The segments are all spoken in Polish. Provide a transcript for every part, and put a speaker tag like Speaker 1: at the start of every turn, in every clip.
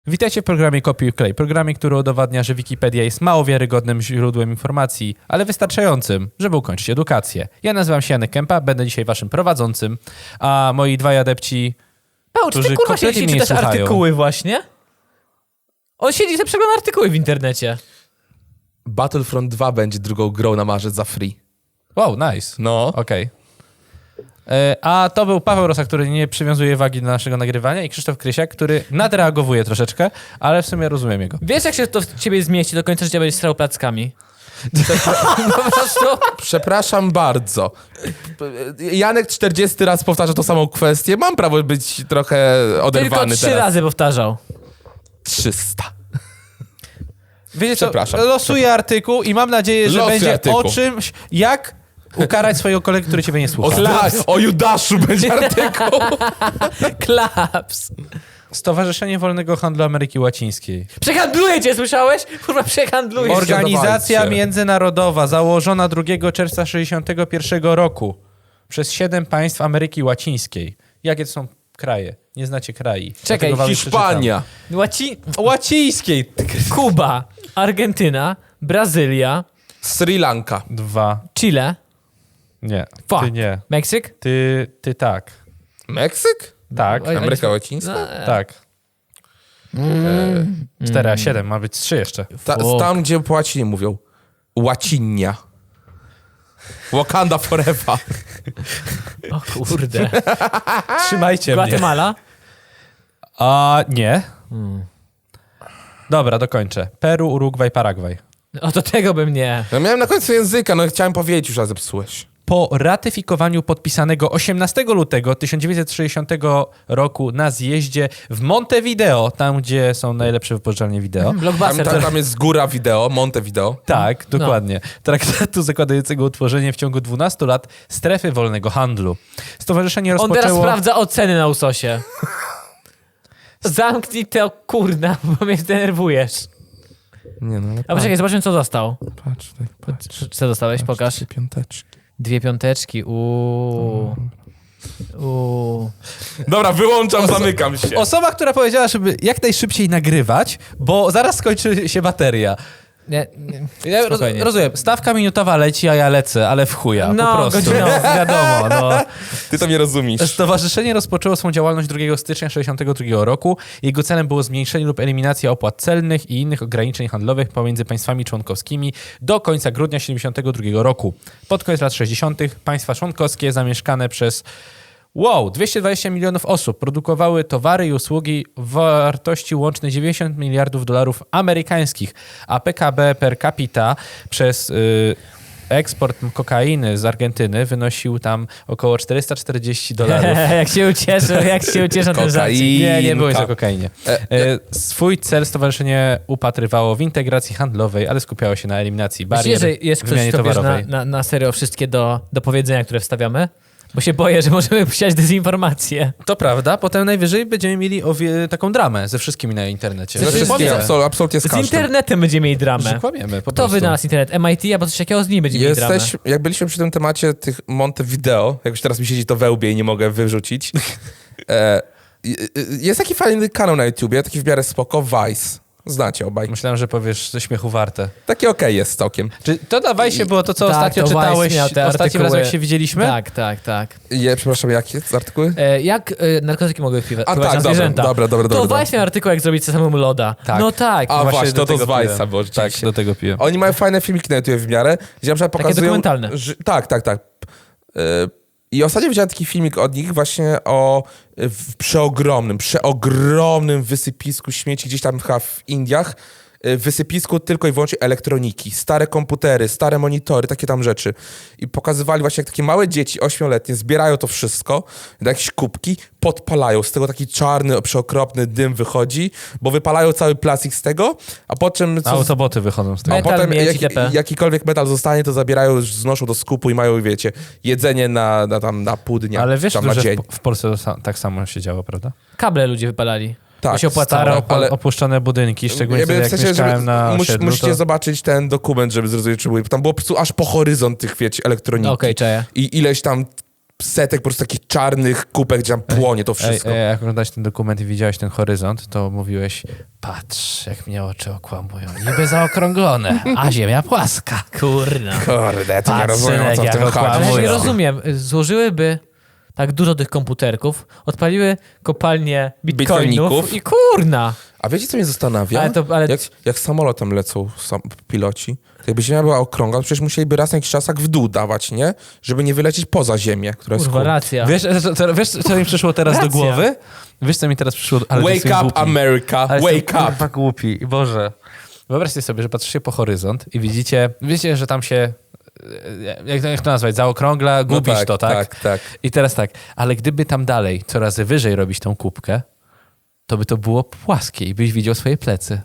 Speaker 1: Witajcie w programie Kopiuj Klej, programie, który udowadnia, że Wikipedia jest mało wiarygodnym źródłem informacji, ale wystarczającym, żeby ukończyć edukację. Ja nazywam się Janek Kępa, będę dzisiaj waszym prowadzącym, a moi dwaj adepci,
Speaker 2: Paweł, czy ty
Speaker 1: którzy
Speaker 2: kurwa
Speaker 1: kompletnie
Speaker 2: siedzi
Speaker 1: mnie nie
Speaker 2: czytasz
Speaker 1: słuchają.
Speaker 2: artykuły właśnie? On siedzi sobie przegląda artykuły w internecie.
Speaker 3: Battlefront 2 będzie drugą grą na marzec za free.
Speaker 1: Wow, nice.
Speaker 3: No.
Speaker 1: Okej. A to był Paweł Rosa, który nie przywiązuje wagi do naszego nagrywania i Krzysztof Krysiak, który nadreagowuje troszeczkę, ale w sumie rozumiem jego.
Speaker 2: Wiesz, jak się to w ciebie zmieści, do końca życia będziesz strał plackami. Po prostu...
Speaker 3: Przepraszam bardzo. Janek 40 raz powtarza tą samą kwestię. Mam prawo być trochę oderwany
Speaker 2: Tylko 3
Speaker 3: teraz.
Speaker 2: razy powtarzał.
Speaker 3: 300.
Speaker 1: Wiecie co,
Speaker 3: Przepraszam.
Speaker 1: losuję artykuł i mam nadzieję, że
Speaker 3: Losuj
Speaker 1: będzie
Speaker 3: artykuł.
Speaker 1: o czymś, jak ukarać swojego kolegę, który ciebie nie słucha.
Speaker 3: O Judaszu będzie artykuł.
Speaker 2: Klaps.
Speaker 1: Stowarzyszenie Wolnego Handlu Ameryki Łacińskiej.
Speaker 2: Przehandluję cię, słyszałeś? Kurwa, przehandluję cię.
Speaker 1: Organizacja
Speaker 3: Dawajcie.
Speaker 1: międzynarodowa założona 2 czerwca 1961 roku przez 7 państw Ameryki Łacińskiej. Jakie to są kraje? Nie znacie krajów.
Speaker 2: Czekaj,
Speaker 1: Dlatego wam
Speaker 3: Hiszpania.
Speaker 1: Łacińskiej.
Speaker 2: Kuba, Argentyna, Brazylia,
Speaker 3: Sri Lanka.
Speaker 1: 2.
Speaker 2: Chile,
Speaker 1: Nie.
Speaker 2: Fuck.
Speaker 1: Ty nie.
Speaker 2: Meksyk.
Speaker 1: Ty tak.
Speaker 3: Meksyk?
Speaker 1: Tak.
Speaker 2: Oj,
Speaker 3: Ameryka Łacińska?
Speaker 1: Tak. 4, a 7. Ma być 3 jeszcze.
Speaker 3: Tam, gdzie po łacinie mówią. Łacinia. Wakanda forever.
Speaker 2: O kurde.
Speaker 1: Trzymajcie mnie.
Speaker 2: Guatemala.
Speaker 1: A nie. Dobra, dokończę. Peru, Urugwaj, Paragwaj.
Speaker 2: O, to tego bym nie.
Speaker 3: Ja miałem na końcu języka, no chciałem powiedzieć już, a zepsułeś.
Speaker 1: Po ratyfikowaniu podpisanego 18 lutego 1960 roku na zjeździe w Montevideo, tam gdzie są najlepsze wypożyczalnie wideo.
Speaker 2: Blockbuster.
Speaker 3: Tam jest góra wideo, Montevideo.
Speaker 1: Tak, dokładnie. Traktatu zakładającego utworzenie w ciągu 12 lat strefy wolnego handlu. Stowarzyszenie
Speaker 2: On
Speaker 1: rozpoczęło...
Speaker 2: teraz sprawdza oceny na usosie. Zamknij to, kurna, bo mnie zdenerwujesz.
Speaker 3: Nie no, ale
Speaker 2: A poczekaj, zobaczmy, co dostał.
Speaker 3: patrz tutaj, patrz.
Speaker 2: Co dostałeś? Pokaż.
Speaker 3: 3 piąteczki.
Speaker 2: 2 piąteczki. Uuu.
Speaker 3: Dobra, wyłączam, zamykam się.
Speaker 1: Osoba, która powiedziała, żeby jak najszybciej nagrywać, bo zaraz skończy się bateria.
Speaker 2: Nie,
Speaker 1: Ja
Speaker 2: spokojnie.
Speaker 1: rozumiem, stawka minutowa leci, a ja lecę, ale w chuja, po
Speaker 2: No,
Speaker 1: prostu.
Speaker 2: godzinowo.
Speaker 1: Wiadomo, no.
Speaker 3: Ty to nie rozumiesz.
Speaker 1: Stowarzyszenie rozpoczęło swą działalność 2 stycznia 1962 roku. Jego celem było zmniejszenie lub eliminacja opłat celnych i innych ograniczeń handlowych pomiędzy państwami członkowskimi do końca grudnia 1972 roku. Pod koniec lat 60. państwa członkowskie zamieszkane przez 220 milionów osób produkowały towary i usługi w wartości łącznej 90 miliardów dolarów amerykańskich, a PKB per capita przez eksport kokainy z Argentyny wynosił tam około 440 dolarów.
Speaker 2: jak się ucieszą ten żarcik.
Speaker 3: Kokaina.
Speaker 1: Nie było nic o kokainie. Swój cel stowarzyszenie upatrywało w integracji handlowej, ale skupiało się na eliminacji barier
Speaker 2: Myślisz, że jest
Speaker 1: w wymianie
Speaker 2: ktoś, kto bierze
Speaker 1: towarowej.
Speaker 2: na serio wszystkie do powiedzenia, które wstawiamy? Bo się boję, że możemy posiać dezinformację.
Speaker 1: To prawda, potem najwyżej będziemy mieli taką dramę ze wszystkimi na internecie.
Speaker 2: Ze
Speaker 3: No
Speaker 2: wszystkim.
Speaker 3: wszystkie, absolutnie z
Speaker 2: Z
Speaker 3: każdym.
Speaker 2: internetem będziemy mieli
Speaker 1: Że
Speaker 2: dramę.
Speaker 1: kłamiemy, po
Speaker 2: Kto
Speaker 1: prostu.
Speaker 2: wynalazł internet? MIT albo coś takiego z nim będziemy mieli dramę.
Speaker 3: Jak byliśmy przy tym temacie tych Montevideo, jak już teraz mi siedzi to we łbie i nie mogę wyrzucić, jest taki fajny kanał na YouTubie, taki w miarę spoko, Vice. Znacie obaj.
Speaker 1: Myślałem, że powiesz ze śmiechu warte.
Speaker 3: Taki okej jest całkiem.
Speaker 1: Czy to dawaj się było to, co
Speaker 2: Tak,
Speaker 1: ostatnio
Speaker 2: to Vice
Speaker 1: czytałeś
Speaker 2: miał te
Speaker 1: ostatnim
Speaker 2: artykuły.
Speaker 1: razem, jak się widzieliśmy?
Speaker 2: Tak.
Speaker 3: Przepraszam, jakie jest artykuły?
Speaker 2: Jak narkotyki mogły wpływać
Speaker 3: A
Speaker 2: na
Speaker 3: tak,
Speaker 2: zwierzęta?
Speaker 3: dobra.
Speaker 2: To Vice miał artykuł, jak zrobić samemu loda.
Speaker 1: Tak.
Speaker 2: No tak.
Speaker 3: A właśnie,
Speaker 1: do
Speaker 3: to z
Speaker 1: tego
Speaker 3: Vice'a
Speaker 1: piłem.
Speaker 3: było
Speaker 1: Tak,
Speaker 3: rzeczywiście.
Speaker 1: do tego piłem.
Speaker 3: Oni mają fajne filmiki na YouTube w miarę, gdzie na przykład
Speaker 2: Takie
Speaker 3: pokazują...
Speaker 2: dokumentalne.
Speaker 3: Tak. I ostatnio widziałem taki filmik od nich właśnie o przeogromnym wysypisku śmieci gdzieś tam chyba w Indiach. Wysypisku tylko i wyłącznie elektroniki, stare komputery, stare monitory, takie tam rzeczy. I pokazywali właśnie, jak takie małe dzieci, 8-letnie, zbierają to wszystko na jakieś kubki, podpalają. Z tego taki czarny, przeokropny dym wychodzi, bo wypalają cały plastik z tego, a po czym...
Speaker 1: Autoboty wychodzą z tego.
Speaker 3: A
Speaker 2: Metal,
Speaker 3: potem
Speaker 2: miedź, itp.
Speaker 3: jakikolwiek metal zostanie, to zabierają, już znoszą do skupu i mają, wiecie, jedzenie na pół dnia.
Speaker 1: Ale wiesz,
Speaker 3: tam na
Speaker 1: że
Speaker 3: dzień.
Speaker 1: w Polsce tak samo się działo, prawda?
Speaker 2: Kable ludzie wypalali.
Speaker 3: Tak,
Speaker 2: To się opłacało.
Speaker 1: Stare,
Speaker 3: ale-
Speaker 1: opuszczone budynki, szczególnie wtedy,
Speaker 3: w
Speaker 1: jak
Speaker 3: sensie,
Speaker 1: mieszkałem na osiedlu,
Speaker 3: musicie
Speaker 1: to...
Speaker 3: zobaczyć ten dokument, żeby zrozumieć, czy było. Tam było po prostu aż po horyzont tych, wiecie, elektroniki.
Speaker 2: Okej, czaję.
Speaker 3: I ileś tam setek po prostu takich czarnych kupek, gdzie tam płonie to wszystko.
Speaker 1: Jak oglądałeś ten dokument i widziałeś ten horyzont, to mówiłeś, patrz, jak mnie oczy okłamują. Niby zaokrąglone, a ziemia płaska.
Speaker 2: Kurna.
Speaker 3: Kurde, to nie
Speaker 1: Patrz,
Speaker 3: rozumiem, o co w
Speaker 1: jak
Speaker 3: tym
Speaker 1: okłamuje.
Speaker 2: Ale ja
Speaker 3: chodzi.
Speaker 2: nie
Speaker 1: Mówią.
Speaker 2: rozumiem. Złożyłyby tak dużo tych komputerków, odpaliły kopalnię bitcoinów
Speaker 3: Bitcoiników.
Speaker 2: i kurna.
Speaker 3: A wiecie, co mnie zastanawia?
Speaker 2: Ale-
Speaker 3: Jak samolotem lecą piloci, to jakby ziemia była okrągła, to przecież musieliby raz na jakiś czas tak w dół dawać, nie? Żeby nie wylecieć poza ziemię, która jest
Speaker 2: Kurwa, racja.
Speaker 1: Wiesz, co mi przyszło teraz do
Speaker 2: Racja.
Speaker 1: głowy? Wiesz, co mi teraz przyszło? Ale to
Speaker 3: Wake
Speaker 1: jestem
Speaker 3: up,
Speaker 1: głupi.
Speaker 3: America,
Speaker 1: Ale
Speaker 3: wake
Speaker 1: jestem,
Speaker 3: up.
Speaker 1: kurwa, głupi. Boże. Wyobraźcie sobie, że patrzycie po horyzont i wiecie, że tam się, jak to nazwać, zaokrągla, gubisz to, tak?
Speaker 3: Tak.
Speaker 1: I teraz tak, ale gdyby tam dalej, coraz wyżej robić tą kubkę, to by to było płaskie i byś widział swoje plecy.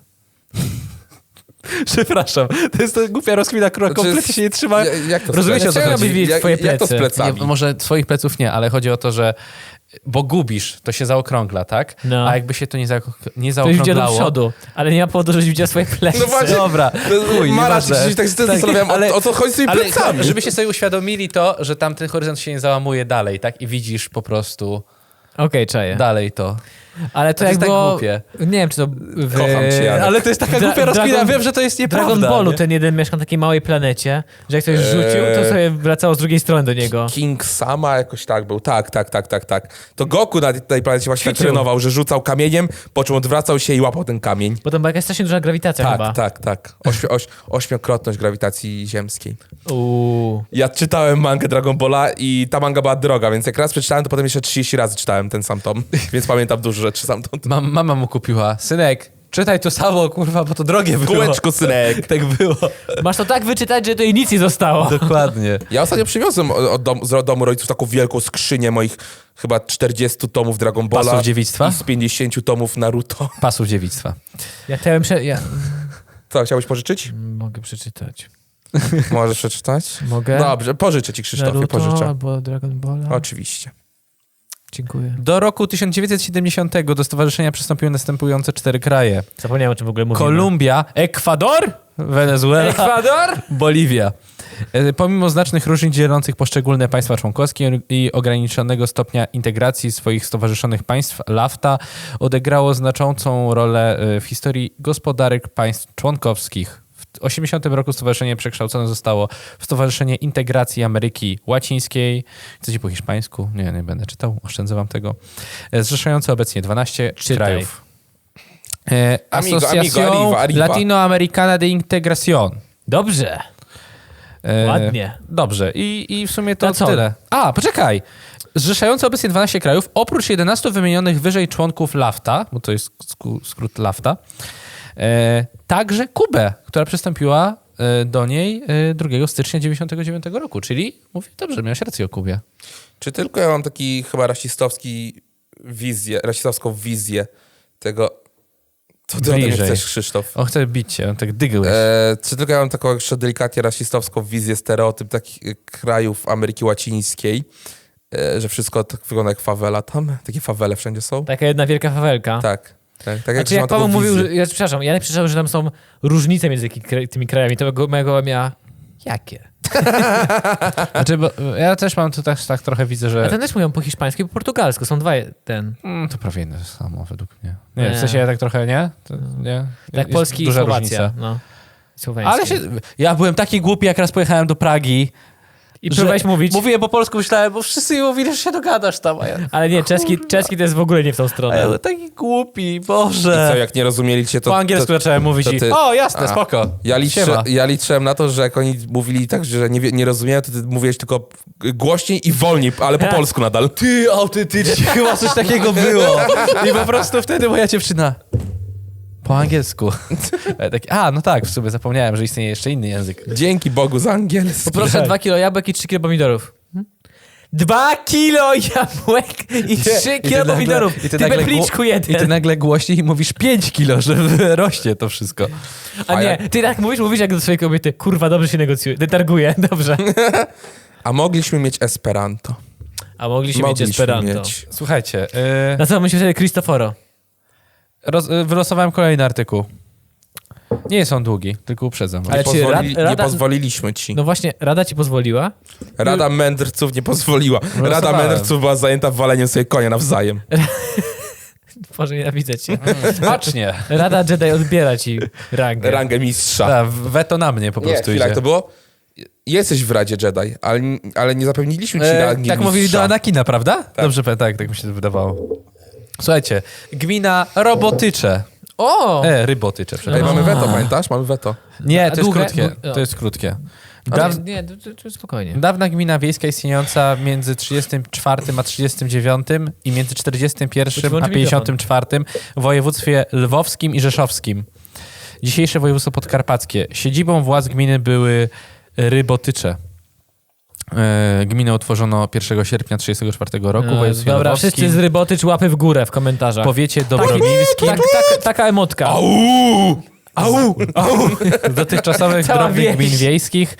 Speaker 1: Przepraszam, to jest ta głupia rozkmina, która
Speaker 3: Znaczy,
Speaker 1: kompletnie się nie trzyma.
Speaker 3: Jak to
Speaker 1: Rozumiecie, o co
Speaker 2: Dlaczego
Speaker 1: chodzi?
Speaker 2: byś widzieć
Speaker 3: Jak-
Speaker 2: twoje
Speaker 3: jak to z
Speaker 2: plecy?
Speaker 3: plecami?
Speaker 1: Nie, może swoich pleców nie, ale chodzi o to, że bo gubisz, to się zaokrągla, tak?
Speaker 2: No.
Speaker 1: A jakby się to nie
Speaker 2: To już idzie do
Speaker 1: zaokrąglało...
Speaker 2: przodu, ale nie ma powodu, żebyś widział swoje plecy.
Speaker 3: No właśnie.
Speaker 1: Dobra, chuj,
Speaker 3: Mara,
Speaker 1: nieważne.
Speaker 3: czy tak się zastanawiałem, o co chodzi z tymi
Speaker 1: ale
Speaker 3: plecami?
Speaker 1: żebyście sobie uświadomili to, że tam ten horyzont się nie załamuje dalej, tak? I widzisz po prostu
Speaker 2: Okej, czaję.
Speaker 1: dalej to.
Speaker 2: Ale to
Speaker 1: To
Speaker 2: jak
Speaker 1: jest tak
Speaker 2: było...
Speaker 1: głupie.
Speaker 2: Nie wiem, czy to... W...
Speaker 3: Kocham cię, Janek.
Speaker 1: Ale to jest taka
Speaker 2: Dra-
Speaker 1: głupia rozkmina,
Speaker 2: Dragon-
Speaker 1: wiem, że to jest
Speaker 2: W
Speaker 1: nieprawda.
Speaker 2: Dragon Ballu
Speaker 1: nie?
Speaker 2: ten jeden mieszka na takiej małej planecie, że jak ktoś rzucił, to sobie wracało z drugiej strony do niego.
Speaker 3: King Sama jakoś tak był. Tak. To Goku na tej planecie właśnie tak
Speaker 2: Ćwiczył.
Speaker 3: trenował, że rzucał kamieniem, po czym odwracał się i łapał ten kamień.
Speaker 2: Bo tam była jakaś strasznie duża grawitacja chyba.
Speaker 3: Tak. Ośmiokrotność grawitacji ziemskiej.
Speaker 2: Uuu.
Speaker 3: Ja czytałem mangę Dragon Balla i ta manga była droga, więc jak raz przeczytałem, to potem jeszcze 30 razy czytałem ten sam tom, więc pamiętam dużo rzeczy stamtąd.
Speaker 1: Mama mu kupiła. Synek, czytaj to samo, kurwa, bo to drogie było.
Speaker 3: Kółeczko, synek.
Speaker 1: Tak było.
Speaker 2: Masz to tak wyczytać, że to i nic nie zostało.
Speaker 1: Dokładnie.
Speaker 3: Ja ostatnio przywiozłem z domu rodziców taką wielką skrzynię moich chyba 40 tomów Dragon Balla
Speaker 1: Pasów dziewictwa?
Speaker 3: i z 50 tomów Naruto.
Speaker 1: Pasów dziewictwa.
Speaker 2: Ja chciałem... Ja...
Speaker 3: Co, chciałbyś pożyczyć?
Speaker 2: Mogę przeczytać.
Speaker 3: Możesz przeczytać?
Speaker 2: Mogę?
Speaker 3: Dobrze, pożyczę ci, Krzysztofie,
Speaker 2: Naruto
Speaker 3: pożyczę.
Speaker 2: albo Dragon Balla.
Speaker 3: Oczywiście.
Speaker 2: Dziękuję.
Speaker 1: Do roku 1970 do stowarzyszenia przystąpiły następujące 4 kraje.
Speaker 2: Zapomniałem, o czym w ogóle mówimy.
Speaker 1: Kolumbia, Ekwador, Wenezuela,
Speaker 2: Ekwador?
Speaker 1: Boliwia. Pomimo znacznych różnic dzielących poszczególne państwa członkowskie i ograniczonego stopnia integracji swoich stowarzyszonych państw, LAFTA odegrało znaczącą rolę w historii gospodarek państw członkowskich. W 1980 roku stowarzyszenie przekształcone zostało w Stowarzyszenie Integracji Ameryki Łacińskiej. Chcecie po hiszpańsku? Nie będę czytał, oszczędzę wam tego. Zrzeszające obecnie 12
Speaker 2: Czytaj.
Speaker 1: krajów.
Speaker 3: Amigo,
Speaker 1: Asociación
Speaker 3: arriba.
Speaker 1: Latinoamericana de Integración.
Speaker 2: Dobrze. Ładnie.
Speaker 1: Dobrze. I w sumie to
Speaker 2: To co?
Speaker 1: tyle. A, poczekaj. Zrzeszające obecnie 12 krajów, oprócz 11 wymienionych wyżej członków LAFTA, bo to jest skrót LAFTA, także Kubę, która przystąpiła do niej 2 stycznia 1999 roku. Czyli, mówię dobrze, miałeś rację o Kubie.
Speaker 3: Czy tylko ja mam taki chyba rasistowską wizję tego... Co ty ode mnie
Speaker 1: Bliżej.
Speaker 3: chcesz, Krzysztof?
Speaker 1: On chce bić cię, on tak dygłeś.
Speaker 3: Czy tylko ja mam taką jeszcze delikatnie rasistowską wizję, stereotyp takich krajów Ameryki Łacińskiej, że wszystko tak wygląda jak fawela tam? Takie fawele wszędzie są?
Speaker 2: Taka jedna wielka fawelka.
Speaker 3: Tak.
Speaker 2: Znaczy,
Speaker 3: mam
Speaker 2: jak
Speaker 3: taką
Speaker 2: Paweł mówił,
Speaker 3: wizję.
Speaker 2: że, ja przepraszam, ja przeczytałem, że tam są różnice między tymi krajami, to mojego miała... Jakie?
Speaker 1: Znaczy, bo ja też mam tu tak trochę widzę,
Speaker 2: A
Speaker 1: że...
Speaker 2: ten też mówią po hiszpańsku i po portugalsku, są dwa ten.
Speaker 1: To prawie jedno samo według mnie. Nie, w
Speaker 2: Nie.
Speaker 1: sensie ja tak trochę, nie? To, nie?
Speaker 2: Tak,
Speaker 1: Jest
Speaker 2: Polski i
Speaker 1: duża
Speaker 2: Słowacja.
Speaker 1: różnica.
Speaker 2: No. Słoweński.
Speaker 1: Ale ja byłem taki głupi, jak raz pojechałem do Pragi.
Speaker 2: I próbowałeś mówić,
Speaker 1: Mówiłem po polsku, myślałem, bo wszyscy mi mówili, że się dogadasz tam. A ja,
Speaker 2: ale nie, czeski to jest w ogóle nie w tą
Speaker 1: a ja
Speaker 2: stronę.
Speaker 1: byłem taki głupi,
Speaker 3: I co,
Speaker 1: Boże.
Speaker 3: jak nie rozumieli cię, to...
Speaker 1: Po angielsku zacząłem mówić
Speaker 3: to
Speaker 1: i
Speaker 3: ty-
Speaker 1: o, jasne,
Speaker 3: A.
Speaker 1: spoko.
Speaker 3: Ja
Speaker 1: Siema.
Speaker 3: liczyłem na to, że jak oni mówili tak, że nie rozumieją, to ty mówiłeś tylko głośniej i wolniej, ale po polsku nadal.
Speaker 1: Ty, autentycznie, chyba coś takiego było. I po prostu wtedy moja dziewczyna... Po angielsku. Ja taki, no tak, w sumie zapomniałem, że istnieje jeszcze inny język.
Speaker 3: Dzięki Bogu za angielski.
Speaker 2: Poproszę 2 kilo jabłek i 3 kilo pomidorów. 2 kilo jabłek i 3 kilo pomidorów.
Speaker 1: I
Speaker 2: Ty bepliczku
Speaker 1: I ty
Speaker 2: jeden.
Speaker 1: nagle głośniej mówisz 5 kilo, że rośnie to wszystko.
Speaker 2: A nie, ty tak mówisz jak do swojej kobiety. Kurwa, dobrze się negocjuje. Detarguje, dobrze.
Speaker 3: A mogliśmy mieć Esperanto.
Speaker 2: A mogliśmy mieć Esperanto.
Speaker 1: Słuchajcie,
Speaker 2: Na co myślisz wtedy Cristoforo?
Speaker 1: wylosowałem kolejny artykuł. Nie jest on długi, tylko uprzedzam.
Speaker 2: Ale czy
Speaker 3: Nie
Speaker 2: Rada-
Speaker 3: pozwoliliśmy ci.
Speaker 2: No właśnie, Rada ci pozwoliła?
Speaker 3: Rada mędrców nie pozwoliła. Rada
Speaker 1: Losowałem.
Speaker 3: mędrców była zajęta waleniem sobie konia nawzajem.
Speaker 2: Boże, nienawidzę cię.
Speaker 1: Smacznie.
Speaker 2: Rada Jedi odbiera ci rangę.
Speaker 3: Rangę mistrza.
Speaker 1: Tak, weto na mnie po
Speaker 3: Nie,
Speaker 1: prostu
Speaker 3: chwila,
Speaker 1: idzie.
Speaker 3: jak to było? Jesteś w Radzie Jedi, ale nie zapewniliśmy ci rangi
Speaker 1: tak
Speaker 3: mistrza.
Speaker 1: mówili do Anakina, prawda? Dobrze, tak mi się wydawało. Słuchajcie, gmina Robotycze.
Speaker 2: O!
Speaker 1: Rybotycze,
Speaker 3: Ej,
Speaker 1: przepraszam.
Speaker 3: mamy weto, pamiętasz? Mamy weto.
Speaker 1: Nie,
Speaker 2: A
Speaker 1: to jest
Speaker 2: długie?
Speaker 1: krótkie.
Speaker 2: No.
Speaker 1: To jest krótkie.
Speaker 2: Ale nie, to spokojnie.
Speaker 1: Dawna gmina wiejska istniejąca między 34 a 39 i między 41 a 54 w województwie lwowskim i rzeszowskim. Dzisiejsze województwo podkarpackie. Siedzibą władz gminy były Rybotycze. Gminę utworzono 1 sierpnia 1934 roku w województwie
Speaker 2: Dobra,
Speaker 1: lwowskim.
Speaker 2: wszyscy z Rybotycz łapy w górę w komentarzach.
Speaker 1: W powiecie dobrowilskim.
Speaker 2: Taka emotka.
Speaker 1: Dotychczasowych
Speaker 2: Cała
Speaker 1: drobnych
Speaker 2: wieś.
Speaker 1: gmin wiejskich.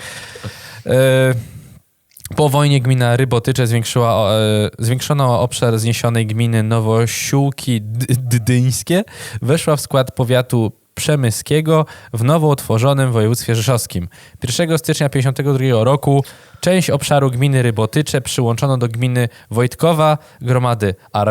Speaker 1: Po wojnie gmina Rybotycze zwiększono obszar zniesionej gminy Nowosiłki Dydyńskie. Weszła w skład powiatu przemyskiego w nowo utworzonym województwie rzeszowskim. 1 stycznia 1952 roku część obszaru gminy Rybotycze przyłączono do gminy Wojtkowa gromady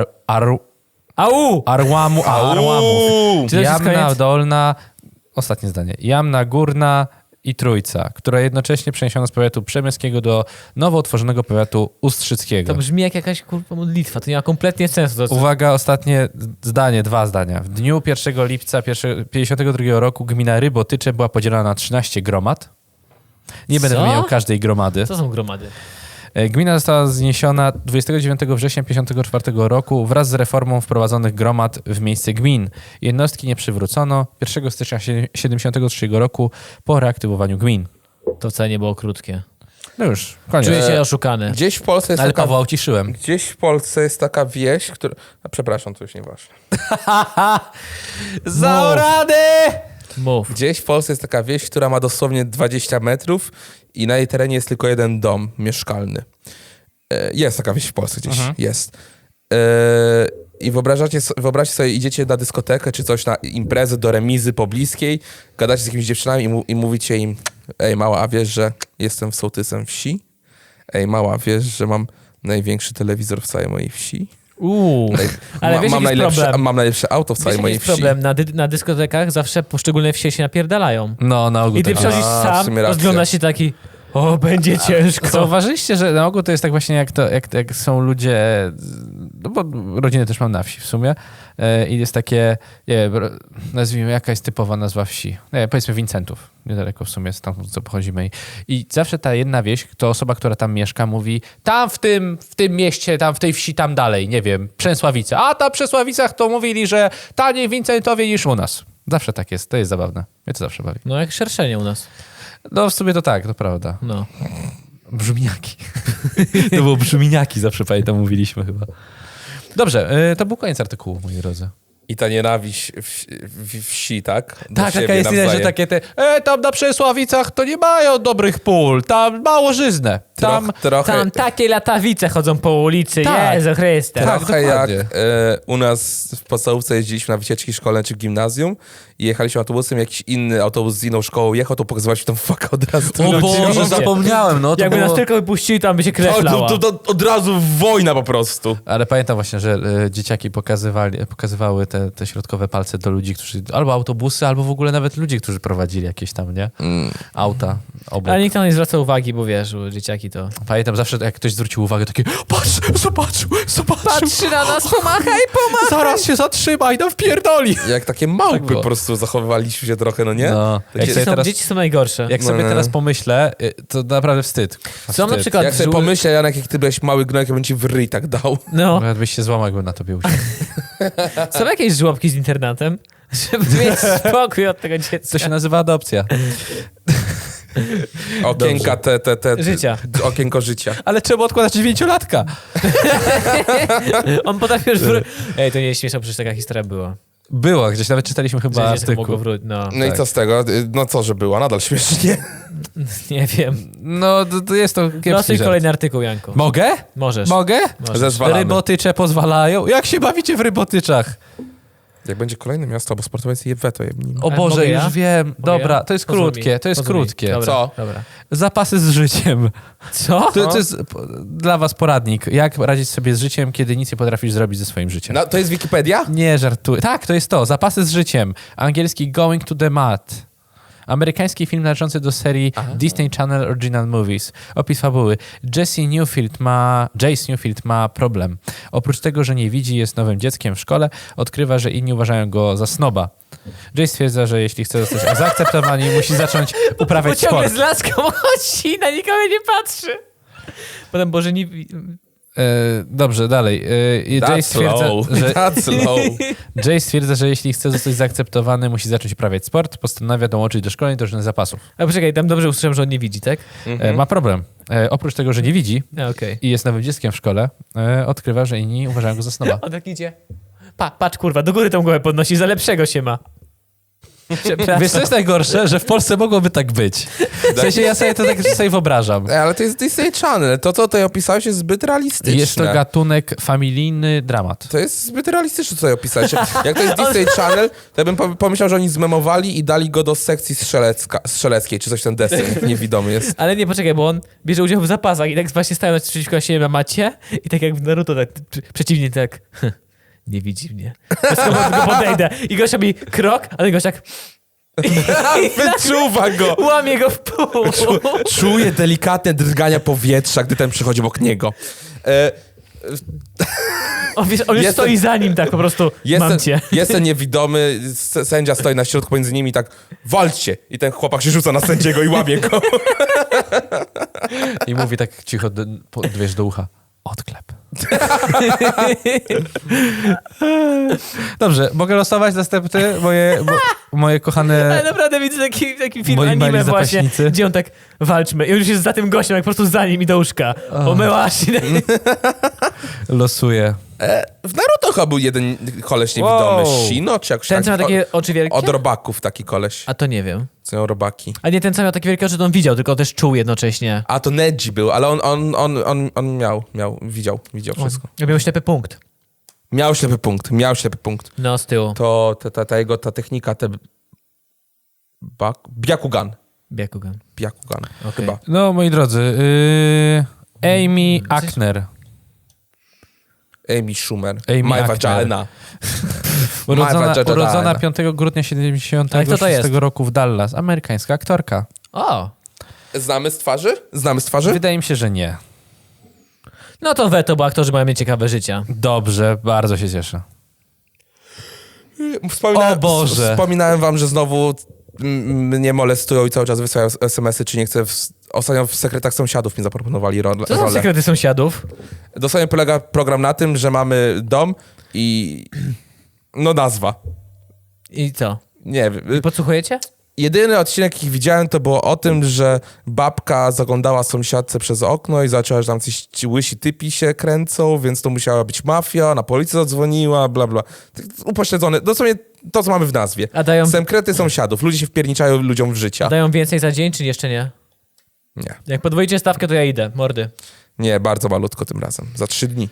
Speaker 1: Arłamów.
Speaker 2: Czy to jest
Speaker 1: Jamna
Speaker 2: koniec?
Speaker 1: Dolna, ostatnie zdanie, Jamna Górna i Trójca, która jednocześnie przeniesiono z powiatu przemyskiego do nowo utworzonego powiatu ustrzyckiego.
Speaker 2: To brzmi jak jakaś kurwa modlitwa, to nie ma kompletnie sensu. To,
Speaker 1: Uwaga, ostatnie zdanie, 2 zdania. W dniu 1 lipca 1952 roku gmina Rybotycze była podzielona na 13 gromad. Nie będę
Speaker 2: Co?
Speaker 1: wymieniał każdej gromady.
Speaker 2: Co są gromady?
Speaker 1: Gmina została zniesiona 29 września 1954 roku wraz z reformą wprowadzonych gromad w miejsce gmin. Jednostki nie przywrócono 1 stycznia 1973 roku po reaktywowaniu gmin.
Speaker 2: To wcale nie było krótkie.
Speaker 1: No już, koniec.
Speaker 2: Czuję się oszukany.
Speaker 3: Gdzieś w Polsce jest
Speaker 1: Ale
Speaker 3: taka...
Speaker 1: Pawła uciszyłem.
Speaker 3: Gdzieś w Polsce jest taka wieś, która... A, przepraszam, to już nieważne.
Speaker 1: Za radę!
Speaker 2: Mów.
Speaker 3: Gdzieś w Polsce jest taka wieś, która ma dosłownie 20 metrów i na jej terenie jest tylko jeden dom mieszkalny. Jest taka wieś w Polsce gdzieś, jest. I wyobraźcie sobie, idziecie na dyskotekę czy coś, na imprezę do remizy pobliskiej, gadacie z jakimiś dziewczynami i mówicie im: ej mała, a wiesz, że jestem sołtysem wsi? Ej mała, wiesz, że mam największy telewizor w całej mojej wsi?
Speaker 2: Ale wiesz,
Speaker 3: mam
Speaker 2: jaki jest problem?
Speaker 3: Mam najlepsze auto w całej
Speaker 2: Wiesz, jaki
Speaker 3: mojej
Speaker 2: jest
Speaker 3: wsi.
Speaker 2: problem? Na dyskotekach zawsze poszczególne wsie się napierdalają.
Speaker 1: No, na ogół
Speaker 2: I ty
Speaker 1: tak.
Speaker 2: przychodzisz
Speaker 3: A, w
Speaker 2: sam,
Speaker 3: sumie racja.
Speaker 2: rozglądasz się taki, o, będzie ciężko.
Speaker 1: Zauważyliście, że na ogół to jest tak właśnie jak są ludzie, no bo rodziny też mam na wsi w sumie i jest takie, nie wiem, nazwijmy, jaka jest typowa nazwa wsi? Nie, powiedzmy Wincentów, niedaleko w sumie stamtąd co pochodzimy i zawsze ta jedna wieś, to osoba, która tam mieszka mówi, tam w tym mieście, tam w tej wsi, tam dalej, nie wiem, Przęsławice, a tam w Przęsławicach to mówili, że taniej w Wincentowie niż u nas. Zawsze tak jest, to jest zabawne. Mnie to zawsze bawi.
Speaker 2: No jak szerszenie u nas.
Speaker 1: No w sumie to tak, to prawda.
Speaker 2: No.
Speaker 1: Brzmieniaki. To było brzmieniaki, zawsze pamiętam, mówiliśmy chyba. Dobrze, to był koniec artykułu, moi drodzy.
Speaker 3: I ta nienawiść wsi, tak? Do
Speaker 1: Tak,
Speaker 3: siebie
Speaker 1: taka jest idea, że
Speaker 3: nawzajem.
Speaker 1: takie tam na Przesławicach to nie mają dobrych pól, tam mało żyzne. Tam,
Speaker 3: Trochę,
Speaker 2: Tam takie latawice chodzą po ulicy,
Speaker 1: Tak.
Speaker 2: Jezu Chryste.
Speaker 1: Tak.
Speaker 3: trochę jak
Speaker 1: dokładnie.
Speaker 3: u nas w podstawówce jeździliśmy na wycieczki szkolne czy gimnazjum i jechaliśmy autobusem, jakiś inny autobus z inną szkołą jechał, to pokazywaliśmy tam fuck od razu.
Speaker 1: O Boże,
Speaker 2: Oczywiście.
Speaker 1: zapomniałem, no to
Speaker 2: Jakby
Speaker 1: było...
Speaker 2: nas tylko wypuścili, tam by się krew
Speaker 3: to,
Speaker 2: lała.
Speaker 3: to od razu wojna po prostu.
Speaker 1: Ale pamiętam właśnie, że dzieciaki pokazywały te środkowe palce do ludzi, którzy albo autobusy, albo w ogóle nawet ludzi, którzy prowadzili jakieś tam, nie? Auta obok.
Speaker 2: Ale nikt tam nie zwraca uwagi, bo wiesz, dzieciaki to...
Speaker 1: Pamiętam zawsze, jak ktoś zwrócił uwagę, takie patrz, zobaczył.
Speaker 2: Patrzy na nas, pomachaj.
Speaker 1: Zaraz się zatrzymaj, no wpierdoli.
Speaker 3: Jak takie małpy
Speaker 1: było.
Speaker 3: po prostu zachowywaliśmy się trochę, no nie?
Speaker 1: No.
Speaker 3: Takie-
Speaker 2: Dzieci są najgorsze.
Speaker 1: Jak sobie
Speaker 3: No, no.
Speaker 1: teraz pomyślę, to naprawdę wstyd.
Speaker 2: Są na przykład...
Speaker 3: Jak sobie pomyślę, Janek, jak ty byłeś mały gnojek, ja bym ci w ryj tak dał.
Speaker 2: No,
Speaker 1: Nawet byś się złamał, jakby na tobie usiadł.
Speaker 2: są jakieś żłobki z internatem, żeby mieć spokój od tego dziecka.
Speaker 1: To się nazywa adopcja.
Speaker 3: Okienka
Speaker 2: Życia.
Speaker 3: Okienko życia.
Speaker 1: Ale czemu odkładać 9-latka?
Speaker 2: On potrafi już... Ej, to nie jest śmieszne, przecież taka historia była.
Speaker 1: Było, gdzieś nawet czytaliśmy chyba
Speaker 2: Że dziecko mogło
Speaker 1: artykuł.
Speaker 2: wrócić, no.
Speaker 3: No i co z tego? No co, że była? Nadal śmiesznie.
Speaker 2: Nie wiem.
Speaker 1: No, to jest to kiepski
Speaker 2: Losuj
Speaker 1: żart.
Speaker 2: kolejny artykuł, Janko.
Speaker 1: Mogę?
Speaker 2: Możesz.
Speaker 1: Mogę?
Speaker 2: Możesz.
Speaker 3: Zezwalamy.
Speaker 1: Rybotycze pozwalają. Jak się bawicie w rybotyczach?
Speaker 3: Jak będzie kolejne miasto, bo sportowiec je weto jebnijmy.
Speaker 1: O Boże,
Speaker 2: mogę
Speaker 1: już
Speaker 2: ja?
Speaker 1: wiem.
Speaker 2: Mogę
Speaker 1: Dobra,
Speaker 2: ja?
Speaker 1: to jest
Speaker 2: Pozwól
Speaker 1: krótkie,
Speaker 2: mi.
Speaker 1: to jest
Speaker 2: Pozwól mi.
Speaker 1: krótkie.
Speaker 2: Dobra,
Speaker 3: Co?
Speaker 2: Dobra.
Speaker 1: Zapasy z życiem.
Speaker 2: Co?
Speaker 1: To jest dla was poradnik. Jak radzić sobie z życiem, kiedy nic nie potrafisz zrobić ze swoim życiem.
Speaker 3: No, to jest Wikipedia?
Speaker 1: Nie żartuję. Tak, to jest to. Zapasy z życiem. Angielski Going to the Mat. Amerykański film należący do serii Disney Channel Original Movies. Opis fabuły. Jace Newfield ma problem. Oprócz tego, że nie widzi, jest nowym dzieckiem w szkole, odkrywa, że inni uważają go za snoba. Jace stwierdza, że jeśli chce zostać zaakceptowany, musi zacząć uprawiać
Speaker 2: Bo ciągle
Speaker 1: sport.
Speaker 2: z laską chodzi, na nikogo nie patrzy. Potem Boże nie...
Speaker 1: Dobrze, dalej. Jace stwierdza, że
Speaker 3: That's low.
Speaker 1: Jace stwierdza, że jeśli chce zostać zaakceptowany, musi zacząć uprawiać sport, postanawia dołączyć do szkoleń drużyny zapasów.
Speaker 2: A poczekaj, tam dobrze usłyszałem, że on nie widzi, tak?
Speaker 1: Ma problem. Oprócz tego, że nie widzi
Speaker 2: Okej.
Speaker 1: i jest nowym dzieckiem w szkole, odkrywa, że inni uważają go za snoba.
Speaker 2: On tak idzie. Patrz kurwa, do góry tą głowę podnosi, za lepszego się ma. Przepraszam.
Speaker 1: Wiesz, co jest najgorsze? Że w Polsce mogłoby tak być. W sensie ja sobie to tak sobie wyobrażam.
Speaker 3: Ale to jest Disney Channel. To, co tutaj opisałeś, jest zbyt realistyczne.
Speaker 1: Jest to gatunek familijny dramat.
Speaker 3: To jest zbyt realistyczne, co tutaj opisałeś. Jak to jest Disney Channel, to ja bym pomyślał, że oni zmemowali i dali go do sekcji strzeleckiej, czy coś ten deseń niewidomy jest.
Speaker 2: Ale nie, poczekaj, bo on bierze udział w zapasach i tak właśnie stają przeciwko siebie na macie i tak jak w Naruto, tak przeciwnie tak... Nie widzi mnie. Tylko podejdę. I gość robi krok, a ten gość tak...
Speaker 3: Wyczuwa go!
Speaker 2: Łamie go w pół.
Speaker 3: Czuje delikatne drgania powietrza, gdy ten przychodzi obok niego.
Speaker 2: On już stoi za nim tak po prostu, mam cię.
Speaker 3: Jest ten niewidomy, sędzia stoi na środku między nimi i tak walczcie! I ten chłopak się rzuca na sędziego i łamie go.
Speaker 1: I mówi tak cicho, wiesz, do ucha. Odklep. Dobrze, mogę losować następny? Moje kochane...
Speaker 2: Ale naprawdę widzę taki film
Speaker 1: Moi mali
Speaker 2: anime właśnie,
Speaker 1: zapaśnicy.
Speaker 2: gdzie on tak walczmy. I on już jest za tym gościem, jak po prostu za nim i do łóżka. Omyłaś.
Speaker 1: Losuję.
Speaker 3: W Naruto chyba był jeden koleś niewidomy.
Speaker 1: Wow.
Speaker 3: Shino, czy jakoś
Speaker 2: Ten, co ma takie oczy wielkie?
Speaker 3: Od robaków taki koleś.
Speaker 2: A to nie wiem.
Speaker 3: Co miał robaki.
Speaker 2: A nie ten, co miał takie wielkie oczy, to on widział, tylko też czuł jednocześnie.
Speaker 3: A to Neji był, ale on widział wszystko.
Speaker 2: Ja miał ślepy punkt.
Speaker 3: Miał ślepy punkt.
Speaker 2: No, z tyłu.
Speaker 3: To ta jego technika, Byakugan.
Speaker 2: Byakugan.
Speaker 3: Chyba.
Speaker 1: No, moi drodzy, Amy Ackner.
Speaker 3: Amy Schumer.
Speaker 1: Amy
Speaker 3: My
Speaker 1: Ackner.
Speaker 3: vagina.
Speaker 1: Urodzona 5 grudnia 76
Speaker 2: Ale kto to jest?
Speaker 1: roku w Dallas. Amerykańska aktorka.
Speaker 2: O!
Speaker 3: Znamy z twarzy?
Speaker 1: Wydaje mi się, że nie.
Speaker 2: No to weto, bo aktorzy mają mieć ciekawe życia.
Speaker 1: Dobrze, bardzo się cieszę.
Speaker 3: Wspominałem,
Speaker 1: O Boże.
Speaker 3: Wspominałem wam, że znowu mnie molestują i cały czas wysyłają SMS-y, czy nie chcę... Ostatnio w Sekretach Sąsiadów mi zaproponowali rolę.
Speaker 2: Co są sekrety sąsiadów?
Speaker 3: Dosłownie polega program na tym, że mamy dom i... No nazwa.
Speaker 2: I co?
Speaker 3: Nie wiem.
Speaker 2: Podsłuchujecie?
Speaker 3: Jedyny odcinek, jaki widziałem, to było o tym, że babka zaglądała sąsiadce przez okno i zaczęła, że tam coś ci łysi typi się kręcą, więc to musiała być mafia, na policję zadzwoniła, bla, bla. Upośledzony. Dosłownie to, co mamy w nazwie.
Speaker 2: A dają,
Speaker 3: Sekrety sąsiadów. Ludzie się wpierniczają ludziom w życia.
Speaker 2: dają więcej za dzień, czy jeszcze nie?
Speaker 3: Nie.
Speaker 2: Jak podwoicie stawkę, to ja idę. Mordy.
Speaker 3: Nie, bardzo malutko tym razem. Za 3 dni.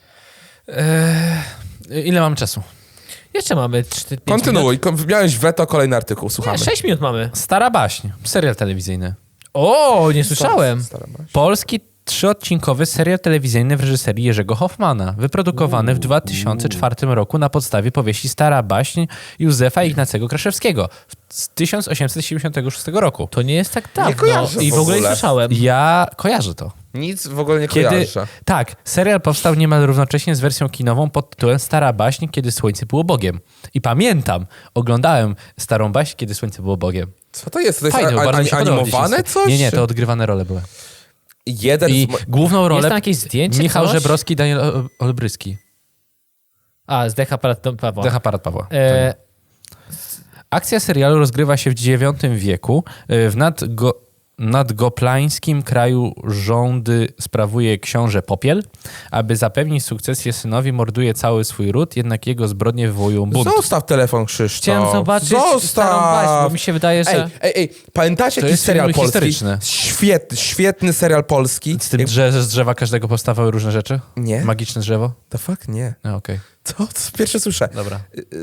Speaker 1: Ile mamy czasu?
Speaker 2: Jeszcze mamy 4-5
Speaker 3: Kontynuuj. Miałeś weto, kolejny artykuł. Słuchamy.
Speaker 2: 6 minut mamy.
Speaker 1: Stara baśń. Serial telewizyjny.
Speaker 2: O, nie słyszałem.
Speaker 3: Stara baś.
Speaker 1: Polski 3-odcinkowy serial telewizyjny w reżyserii Jerzego Hoffmana, wyprodukowany w 2004 roku na podstawie powieści Stara baśń Józefa Ignacego Kraszewskiego z 1876 roku.
Speaker 2: To nie jest tak dawno.
Speaker 3: kojarzę
Speaker 2: I w
Speaker 3: w
Speaker 2: ogóle nie
Speaker 3: ogóle.
Speaker 2: słyszałem.
Speaker 1: Ja kojarzę to.
Speaker 3: Nic w ogóle nie kojarzę.
Speaker 1: Tak, serial powstał niemal równocześnie z wersją kinową pod tytułem Stara baśń, kiedy słońce było Bogiem. I pamiętam, oglądałem Starą baśń, kiedy słońce było Bogiem.
Speaker 3: Co to jest? To jest
Speaker 1: Fajne, bardzo mi się podobało
Speaker 3: animowane
Speaker 1: dzieciństwo.
Speaker 3: coś?
Speaker 1: Nie, to odgrywane role były.
Speaker 3: Jeden
Speaker 1: I główną rolę
Speaker 2: Jest tam jakieś zdjęcie,
Speaker 1: Michał
Speaker 2: coś?
Speaker 1: Żebrowski, Daniel Olbryski.
Speaker 2: A, z Decha Pawła.
Speaker 1: Dech aparat Pawła.
Speaker 2: E,
Speaker 1: Akcja serialu rozgrywa się w IX wieku w nad goplańskim kraju rządy sprawuje książę Popiel. Aby zapewnić sukcesję synowi, morduje cały swój ród, jednak jego zbrodnie wywołują bunt.
Speaker 3: Zostaw telefon, Krzysztof.
Speaker 2: Chciałem zobaczyć starą baśń, bo mi się wydaje, że...
Speaker 3: Ej, pamiętacie
Speaker 1: To
Speaker 3: jakiś
Speaker 1: jest
Speaker 3: serial
Speaker 1: film
Speaker 3: polski?
Speaker 1: historyczny.
Speaker 3: Świetny serial polski.
Speaker 1: Z tym, że z drzewa każdego powstawały różne rzeczy?
Speaker 3: Nie.
Speaker 1: Magiczne drzewo?
Speaker 3: The fuck? Nie.
Speaker 1: Okej,
Speaker 3: To pierwsze słyszę.
Speaker 1: dobra.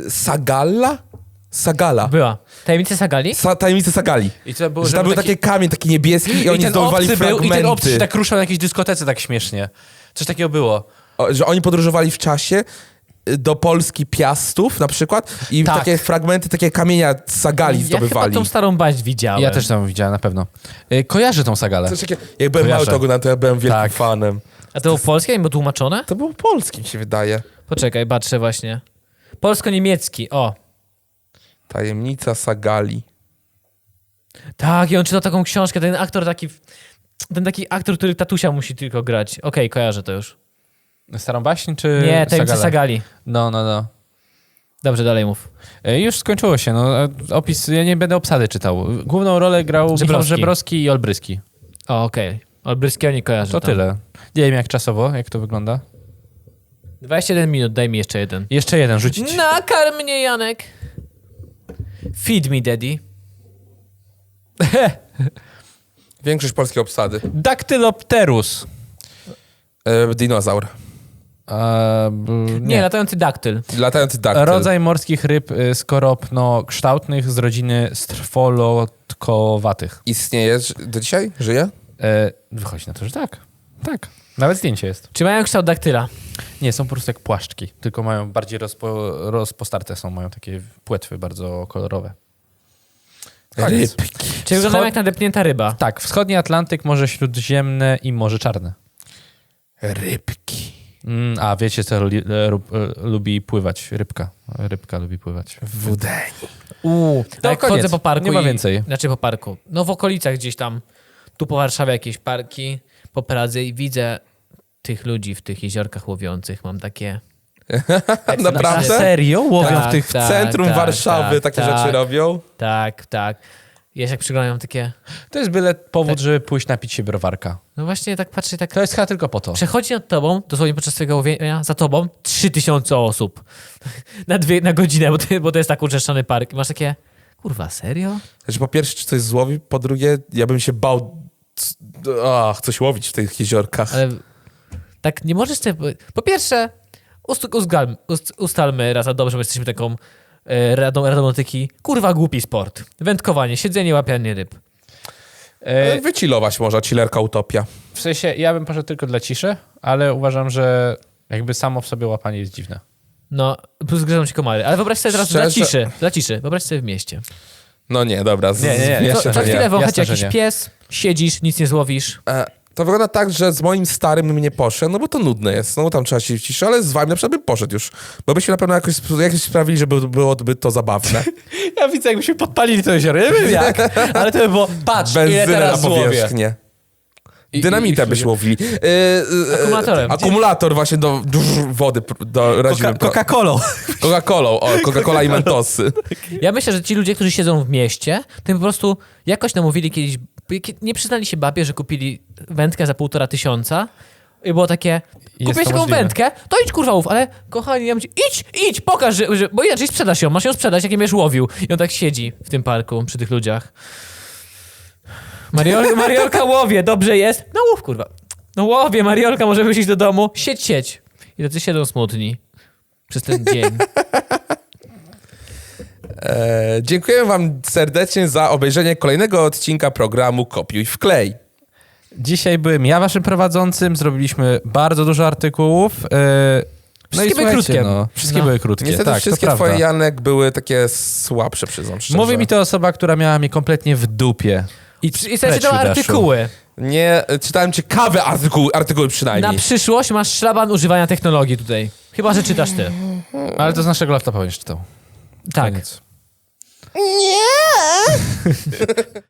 Speaker 3: Sagala.
Speaker 2: Była. Tajemnice Sagali?
Speaker 3: Tajemnice Sagali.
Speaker 1: I to było,
Speaker 3: Że tam był taki kamień, taki niebieski i oni
Speaker 1: ten
Speaker 3: zdobywali
Speaker 1: obcy był,
Speaker 3: fragmenty.
Speaker 1: I ten obcy się tak ruszał na jakiejś dyskotece tak śmiesznie. Coś takiego było.
Speaker 3: Że oni podróżowali w czasie do Polski Piastów na przykład i
Speaker 2: Tak.
Speaker 3: takie fragmenty, takie kamienia z Sagali
Speaker 2: Ja chyba
Speaker 3: zdobywali.
Speaker 2: tą starą baśń widziałem.
Speaker 1: Ja też tam widziałem, na pewno. Kojarzę tą sagalę.
Speaker 3: Coś takiego, jak byłem mały,
Speaker 1: Kojarzę.
Speaker 3: to oglądałem, to ja byłem wielkim
Speaker 1: Tak.
Speaker 3: fanem.
Speaker 2: A to było polskie? Nie było tłumaczone?
Speaker 3: To było polskim, się wydaje.
Speaker 2: Poczekaj, patrzę właśnie. Polsko-niemiecki, o.
Speaker 3: Tajemnica Sagali.
Speaker 2: Tak, i on czytał taką książkę, ten taki aktor, który tatusia musi tylko grać. Okej, kojarzę to już.
Speaker 1: Starą baśń czy
Speaker 2: Nie, Tajemnice
Speaker 1: sagalę?
Speaker 2: Sagali.
Speaker 1: No.
Speaker 2: Dobrze, dalej mów.
Speaker 1: Już skończyło się. No, opis, ja nie będę obsady czytał. Główną rolę grał Michał
Speaker 2: Żebrowski.
Speaker 1: Żebrowski i Olbryski.
Speaker 2: O, okej. Olbryskiego nie kojarzę.
Speaker 1: To
Speaker 2: tam.
Speaker 1: tyle. Nie wiem jak czasowo, jak to wygląda.
Speaker 2: 21 minut, daj mi jeszcze jeden.
Speaker 1: Jeszcze jeden rzucić.
Speaker 2: Nakarm mnie, Janek. Feed me, daddy.
Speaker 3: Większość polskiej obsady.
Speaker 1: Daktylopterus.
Speaker 3: Dinozaur.
Speaker 2: Nie, latający daktyl.
Speaker 3: Latający daktyl.
Speaker 1: Rodzaj morskich ryb skoropno-kształtnych z rodziny strwolotkowatych.
Speaker 3: Istnieje do dzisiaj? Żyje?
Speaker 1: Wychodzi na to, że tak. Tak. Nawet zdjęcie jest.
Speaker 2: Czy mają kształt daktyla?
Speaker 1: Nie, są po prostu jak płaszczki, tylko mają bardziej rozpostarte są, mają takie płetwy bardzo kolorowe. Koniec.
Speaker 3: Rybki.
Speaker 2: Czy wyglądają jak nadepnięta ryba?
Speaker 1: Tak, wschodni Atlantyk, Morze Śródziemne i Morze Czarne.
Speaker 3: Rybki.
Speaker 1: A wiecie, co lubi pływać? Rybka. Rybka lubi pływać.
Speaker 3: Wudeni.
Speaker 2: To jak
Speaker 1: koniec.
Speaker 2: chodzę po parku
Speaker 1: Nie ma więcej.
Speaker 2: Znaczy po parku. No w okolicach gdzieś tam. Tu po Warszawie jakieś parki, po Pradze i widzę tych ludzi w tych jeziorkach łowiących. Mam takie...
Speaker 3: Naprawdę?
Speaker 1: Serio? Łowią
Speaker 2: Tak,
Speaker 1: w tych...
Speaker 3: W centrum Warszawy takie rzeczy robią?
Speaker 2: Tak. Ja się jak przyglądam takie...
Speaker 1: To jest byle powód, żeby pójść napić się browarka.
Speaker 2: No właśnie tak patrzę, tak...
Speaker 1: To jest chyba tylko po to.
Speaker 2: Przechodzi nad tobą, dosłownie podczas twojego łowienia, za tobą 3000 osób. na godzinę, bo to jest tak uczeszczony park. I masz takie... Kurwa, serio?
Speaker 3: Znaczy, po pierwsze, czy coś złowi, po drugie, ja bym się bał coś łowić w tych jeziorkach.
Speaker 2: Ale tak nie możesz sobie... Po pierwsze, ustalmy raz a dobrze, bo jesteśmy taką radomotyki. Kurwa, głupi sport. Wędkowanie, siedzenie, łapianie ryb.
Speaker 3: Wychillować można, chillerka utopia.
Speaker 1: W sensie, ja bym poszedł tylko dla ciszy, ale uważam, że jakby samo w sobie łapanie jest dziwne.
Speaker 2: No, plus gryzą ci komary. Ale wyobraź sobie teraz
Speaker 3: Szczerze?
Speaker 2: dla ciszy. Wyobraź sobie w mieście.
Speaker 3: No nie, dobra.
Speaker 1: Nie,
Speaker 2: Co
Speaker 1: że
Speaker 2: chwilę wącha cię
Speaker 1: Jasne, że
Speaker 2: jakiś
Speaker 1: nie.
Speaker 2: pies, siedzisz, nic nie złowisz.
Speaker 3: To wygląda tak, że z moim starym bym nie poszedł, no bo to nudne jest, no bo tam trzeba się w ciszy, ale z wami na przykład bym poszedł już, bo byśmy na pewno jakoś sprawili, żeby byłoby to zabawne.
Speaker 1: Ja widzę, jakbyśmy podpalili to jezioro. Nie wiem jak, ale to by było, patrz, ile
Speaker 3: Benzynę na
Speaker 1: teraz złowię.
Speaker 3: powierzchnię. Dynamitem byśmy łowili.
Speaker 2: Akumulatorem.
Speaker 3: Akumulator właśnie do wody radzimy.
Speaker 1: Coca-Colą.
Speaker 3: Coca-Colą, Coca-Cola i Mentosy.
Speaker 2: Ja myślę, że ci ludzie, którzy siedzą w mieście, to im po prostu jakoś namówili kiedyś, nie przyznali się babie, że kupili wędkę za 1500 i było takie, kupiłeś
Speaker 1: to
Speaker 2: taką
Speaker 1: możliwe.
Speaker 2: wędkę, to idź kurwa łów, ale kochani, ja mówię, idź, pokaż, bo inaczej sprzedasz ją, masz ją sprzedać, jak nie będziesz łowił. I on tak siedzi w tym parku, przy tych ludziach. Mariolka łowie, dobrze jest? No łów kurwa. No łowie, Mariolka, może wyjść do domu, siedź. I tacy siedzą smutni przez ten dzień.
Speaker 3: Dziękuję wam serdecznie za obejrzenie kolejnego odcinka programu Kopiuj wklej.
Speaker 1: Dzisiaj byłem ja waszym prowadzącym, zrobiliśmy bardzo dużo artykułów.
Speaker 2: Wszystkie były
Speaker 1: słuchajcie,
Speaker 2: krótkie.
Speaker 1: No, wszystkie
Speaker 2: No.
Speaker 1: były krótkie,
Speaker 3: Niestety
Speaker 1: tak,
Speaker 3: wszystkie
Speaker 1: to
Speaker 3: twoje,
Speaker 1: prawda.
Speaker 3: Janek, były takie słabsze, przyznam szczerze.
Speaker 1: Mówi mi to osoba, która miała mnie kompletnie w dupie.
Speaker 2: I sobie czytał artykuły.
Speaker 3: Nie, czytałem ciekawe artykuły przynajmniej.
Speaker 2: Na przyszłość masz szlaban używania technologii tutaj. Chyba, że czytasz ty.
Speaker 1: Ale to z naszego laptopa będziesz czytał.
Speaker 2: Tak.
Speaker 1: Koniec.